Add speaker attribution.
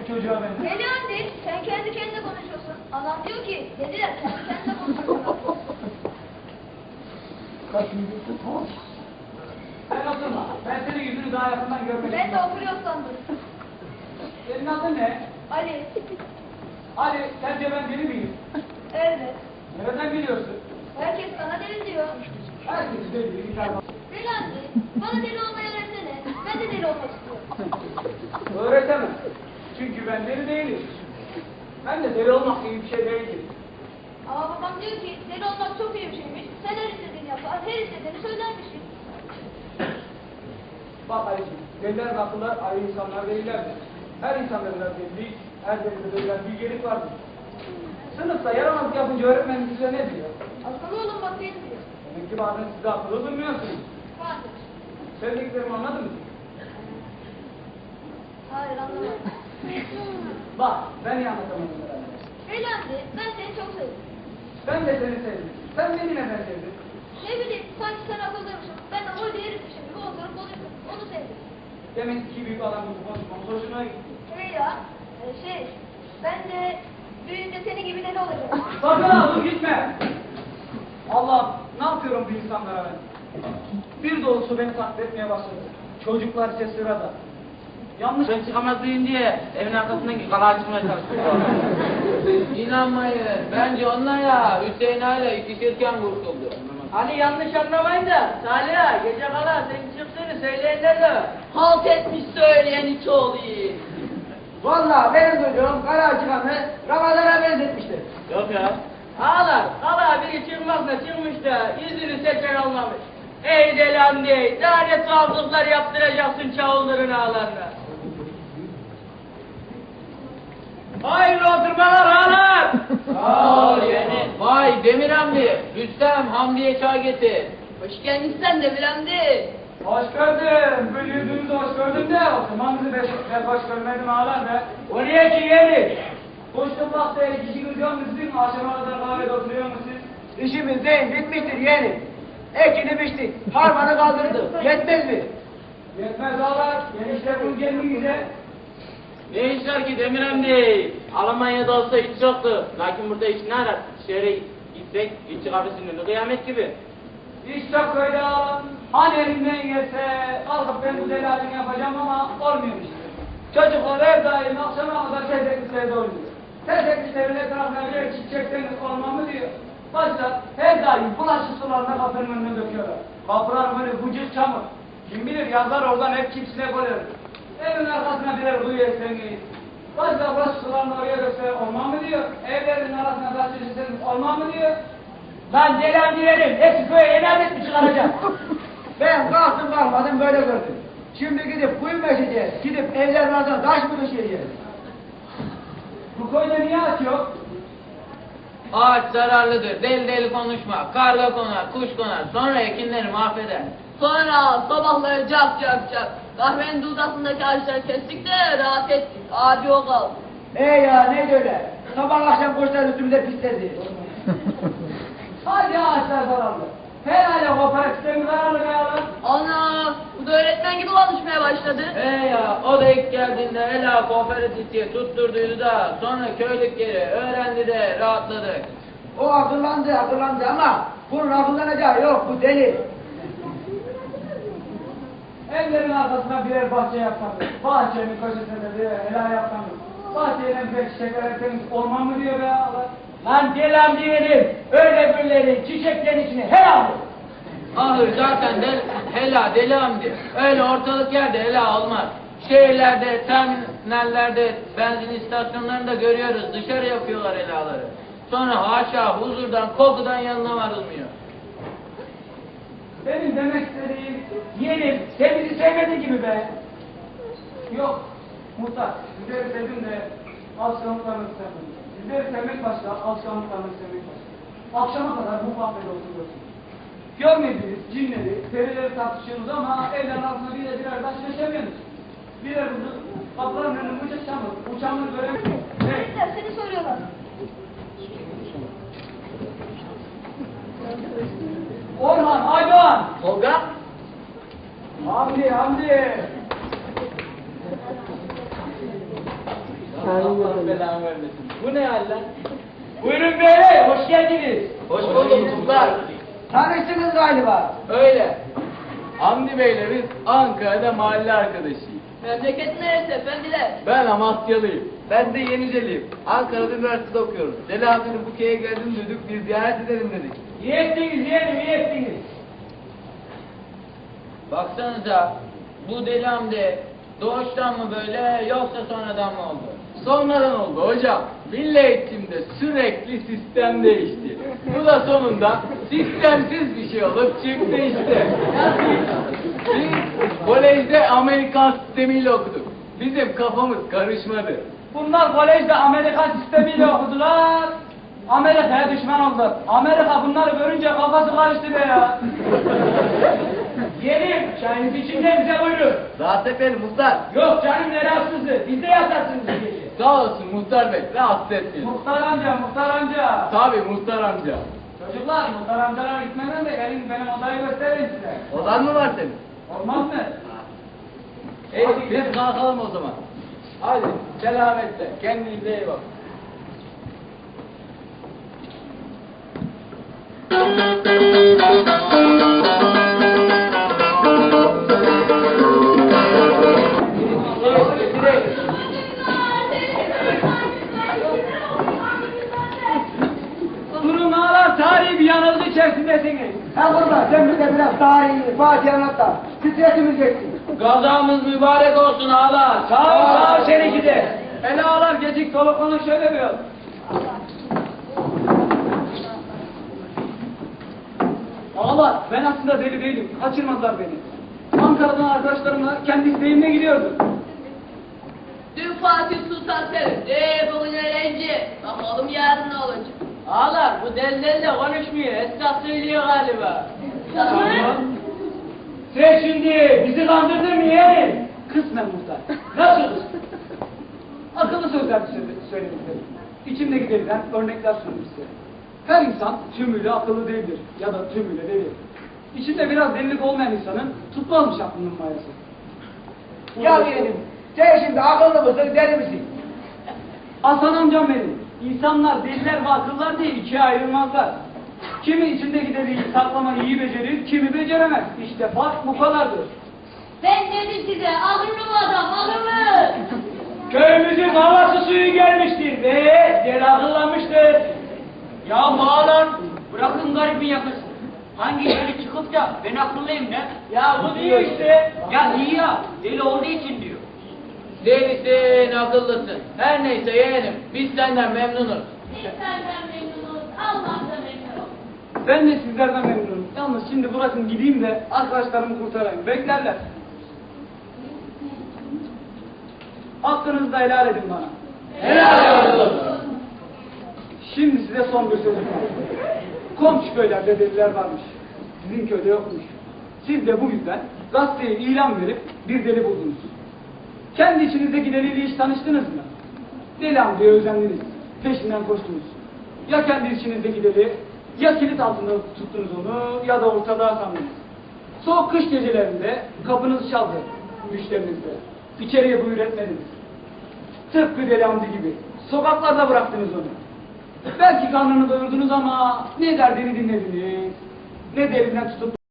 Speaker 1: bu çocuğa ben?
Speaker 2: Deli anne, sen kendi kendine konuşuyorsun. Anam diyor ki, deliler kendi kendine konuşuyorlar.
Speaker 1: Kaçıncı tamam. Sen oturma. Ben senin yüzünü daha yakından görmek
Speaker 2: Ben de
Speaker 1: istiyorum.
Speaker 2: oturuyor sandım.
Speaker 1: Senin adın ne?
Speaker 2: Ali,
Speaker 1: Ali, sence ben deli miyim?
Speaker 2: evet.
Speaker 1: Nereden biliyorsun?
Speaker 2: Herkes sana deli diyor.
Speaker 1: Herkes deli, bir tane.
Speaker 2: Deli anne, bana deli olmayı öğretsene. Ben de deli olmak istiyorum.
Speaker 1: Öğretemem. Çünkü ben deli değilim. Ben de deli olmak gibi bir şey değilim.
Speaker 2: Ama babam diyor ki, deli olmak çok iyi bir şeymiş. Sen her istediğini yapar, her istediğini söylermişsin.
Speaker 1: Bak Ali'ciğim, deliler ve akıllar ayrı insanlar değillerdir. Her insanda biraz delilik, her delide verilen bilgelik vardır. Sınıfta yaramazlık yapınca öğretmen size ne diyor?
Speaker 2: Akıllı olun bakayım diyor.
Speaker 1: Demek ki bazen size akıllı durmuyorsunuz.
Speaker 2: Vardır.
Speaker 1: Söylediklerimi anladın mı?
Speaker 2: Hayır anlamadım.
Speaker 1: Bak, ben iyi anlatamadım herhalde.
Speaker 2: Deli anne, ben seni çok sevdim.
Speaker 1: Ben de seni sevdim. Sen beni neden sevdin?
Speaker 2: Ne bileyim, sanki sen akıllıymışsın. Ben de o herifmişim gibi oturup konuştum. Onu sevdim.
Speaker 1: Demek ki büyük adam gibi konuşmamız hoşuna gitti.
Speaker 2: Ben de büyüyünce senin gibi deli olacağım.
Speaker 1: Sakın ha, dur gitme! Allah'ım, ne yapıyorum bu insanlara ben? Bir dolusu beni taklit etmeye başladı. Çocuklar ise sırada. Yanlış...
Speaker 3: Ben çıkamazlayayım diye evin arkasındaki kalağa çıkmaya çalıştım. İnanmayın. Bence onlar ya Hüseyin hala ikişirken kurtuldu.
Speaker 4: Hani yanlış anlamayın da Salih gece kala sen çıktığını söyleyenler de halt etmiş söyleyen hiç oluyor.
Speaker 5: Vallahi benim duyduğum kara çıkanı Ramazan'a benzetmiştir.
Speaker 3: Yok ya.
Speaker 4: Ağlar, kala biri çıkmakla çıkmış da yüzünü seçen olmamış. Ey delan dey, daha ne tuhaflıklar yaptıracaksın çavulların ağlarına. Hayırlı oturmalar ağlar.
Speaker 3: Sağ ol yeğenim. Vay Demir Hamdi. Rüstem Hamdi'ye çay getir.
Speaker 4: Hoş geldin sen de Bilemdi.
Speaker 1: Hoş gördüm. Böyle yüzünüzü hoş gördüm de o zaman bizi ben hoş görmedim ağlar be.
Speaker 4: Oraya ki yedik.
Speaker 1: Koştum baktı, kişi kızıyor musun? Akşama kadar kahvede oturuyor musun?
Speaker 5: İşimiz değil, bitmiştir yeğenim. Ekini biçtik, harmanı kaldırdık. Yetmez mi?
Speaker 1: Yetmez ağlar. Gençler bunu kendinize.
Speaker 3: Ne işler ki Demir Hamdi? Almanya'da olsa hiç yoktu. Lakin burada iş ne arar? Şehre gitsek işçi kafesinin kıyamet gibi.
Speaker 1: İş çok köyde ağlar. Hani elimden gelse kalkıp ben bu delalini yapacağım ama olmuyor işte. Çocuklar her daim akşama kadar tezeklislerde oynuyor. Tezeklislerin etrafına birer çiçekten olmam mı diyor. Başta her daim bulaşık sularına kapının önüne döküyorlar. Kapılar böyle bucuk çamur. Kim bilir yazlar oradan hep kimsine koyar. Evin arkasına birer kuyu eslengeyiz. Başta bulaşık sularını oraya dökse olmam mı diyor. Evlerin arasına taş çeşitseniz olmam mı diyor.
Speaker 4: Lan delan diyelim, hepsi köye yeni adet mi çıkaracak?
Speaker 5: Ben kalktım kalkmadım böyle gördüm. Şimdi gidip kuyu meşeceğiz, gidip evlerin arasına taş mı düşeceğiz?
Speaker 1: Bu köyde niye aç yok?
Speaker 3: Ağaç zararlıdır. Deli deli konuşma. Karga konar, kuş konar. Sonra ekinleri mahveder.
Speaker 4: Sonra sabahları cap cap cap. Kahvenin dudasındaki ağaçları kestik de rahat ettik. Adi o kaldı.
Speaker 5: Ya neydi öyle? Sabah akşam kuşlar üstümüze pisledi.
Speaker 1: Hadi ağaçlar zararlı. Herhalde kooperatifte mi zararlı be ağlar?
Speaker 4: Ana, bu da öğretmen gibi konuşmaya başladı.
Speaker 3: Ya o da ilk geldiğinde Ela kooperatif diye tutturduydu da sonra köylük yeri öğrendi de rahatladık.
Speaker 5: O akıllandı ama bunun akıllanacağı yok, bu deli.
Speaker 1: Evlerin arkasına birer bahçe yapsanız, bahçenin köşesinde birer helal yapsanız, bahçeden bir çiçekler erseniz olmam mı diyor be ağlar?
Speaker 4: Lan delan diyelim, öyle birileri çiçeklerin içine helal.
Speaker 3: Ahır zaten Ela deli Hamdi. Öyle ortalık yerde Ela olmaz. Şehirlerde, terminallerde, benzin istasyonlarında görüyoruz. Dışarı yapıyorlar Ela'ları. Sonra haşa huzurdan, kokudan yanına varılmıyor.
Speaker 1: Benim demek istediğim, yeğenim, sen bizi sevmedin gibi be. Yok, muhtar, sizleri sevdim de alışkanlıklarını sevdim. Sizleri sevmek başka, alışkanlıklarını sevmek başka. Akşama kadar bu kahvede oturuyorsunuz. Görmediğiniz cinleri, perileri tartışıyorsunuz ama evlerin altına birer taş geçemiyorsunuz. Birer kuzu, kapıların önüne uçak çamur, uçağını göremiyorsunuz. Evet.
Speaker 2: Çocuklar seni soruyorlar.
Speaker 1: Orhan, Aydoğan!
Speaker 4: Tolga?
Speaker 1: Hamdi!
Speaker 4: Allah belanı vermesin. Bu ne hal lan?
Speaker 1: Buyurun beyler, hoş geldiniz.
Speaker 3: Hoş bulduk muhtar.
Speaker 5: Tanıştınız galiba.
Speaker 3: Öyle. Hamdi Bey'le biz Ankara'da mahalle arkadaşıyız.
Speaker 2: Memleket neresi efendiler?
Speaker 3: Ben Amasyalıyım. Ben de Yeniceliyim. Ankara'da üniversitede okuyoruz. Deli Hamdi'nin bu köye geldiğini duyduk, bir ziyaret edelim dedik.
Speaker 1: İyi ettiniz yeğenim, iyi ettiniz.
Speaker 3: Baksanıza, bu Deli Hamdi doğuştan mı böyle yoksa sonradan mı oldu? Sonradan oldu hocam. Milli eğitimde sürekli sistem değişti. Bu da sonunda sistemsiz bir şey olup çıktı işte. Biz kolejde Amerikan sistemiyle okuduk. Bizim kafamız karışmadı.
Speaker 1: Bunlar kolejde Amerikan sistemiyle okudular. Amerika'ya düşman oldular. Amerika bunları görünce kafası karıştı be ya. Yeğenim, çayınız içinde bize buyurun.
Speaker 3: Rahat efendim muhtar.
Speaker 1: Yok canım ne rahatsızlığı, biz de yatarsınız bu gece.
Speaker 3: Sağ olsun muhtar bey, rahatsız etmeyin.
Speaker 1: Muhtar amca, muhtar amca.
Speaker 3: Tabii muhtar amca.
Speaker 1: Çocuklar, muhtar amcalara gitmeden de gelin benim odayı göstereyim size.
Speaker 3: Odan mı var senin?
Speaker 1: Olmaz mı?
Speaker 3: Biz kalkalım o zaman. Hadi selametle, kendinize iyi bakın.
Speaker 1: Durun ağlar, tarihi bir yanılgı içerisindesiniz.
Speaker 5: Ha burada sen bize biraz tarihi, Fatih anlat da stresimiz geçsin.
Speaker 3: Gazamız mübarek olsun ağalar.
Speaker 1: Sağ ol seni gidi. Hele ağlar gecik soluklanın şöyle bir yol. Ağlar, ben aslında deli değilim. Kaçırmadılar beni. Ankara'dan arkadaşlarımla kendi isteğimle gidiyordum.
Speaker 2: Dün Fatih Sultan Selim. Bugün öğrenci. Bakalım yarın ne olacak?
Speaker 4: Ağlar bu delilerle konuşmuyor. Esnaf söylüyor galiba.
Speaker 1: Sen şimdi bizi kandırdın mı yeğenim? Kısmen muhtar. Nasıl kısmen? Akıllı sözler söyledim size. İçimdeki deliden örnekler sunayım size. Her insan tümüyle akıllı değildir ya da tümüyle deli. İçinde biraz delilik olmayan insanın tutmazmış aklının mayası.
Speaker 5: Ya yeğenim, sen şimdi akıllı mısın, deli misin?
Speaker 1: Hasan amcam benim. İnsanlar deliler ve akıllar diye ikiye ayrılmazlar. Kimi içindeki deliği saklamayı iyi becerir, kimi beceremez. İşte fark bu kadardır.
Speaker 2: Ben dedim size akıllı bu adam akıllı.
Speaker 1: Köyümüzün havası suyu gelmiştir ve deli akıllanmıştır.
Speaker 4: Ya ağlar bırakın garibin yakasını. Hangi yeri çıkıp da ben akıllıyım ne?
Speaker 1: Ya bu diyor işte.
Speaker 4: Ya iyi ya deli olduğu için diyor.
Speaker 3: Delisin, akıllısın. Her neyse yeğenim, biz senden memnunuz.
Speaker 2: Biz senden memnunuz. Allah da memnun.
Speaker 1: Ben de sizlerden memnunum. Yalnız şimdi bırakın gideyim de arkadaşlarımı kurtarayım. Beklerler. Hakkınızı da helal edin bana.
Speaker 3: Helal olsun.
Speaker 1: Şimdi size son bir sözüm var. Komşu köylerde deliler varmış. Sizin köyde yokmuş. Siz de bu yüzden gazeteye ilan verip bir deli buldunuz. Kendi içinizdeki deliyle hiç tanıştınız mı? Deli amcaya özendiniz. Peşinden koştunuz. Ya kendi içinizdeki deli, ya kilit altında tuttunuz onu ya da ortada sandınız. Soğuk kış gecelerinde kapınız çaldı müşterinizle. İçeriye buyur etmediniz. Tıpkı Deli Hamdi gibi. Sokaklarda bıraktınız onu. Belki karnını doyurdunuz ama ne derdini dinlediniz, ne derinden tutup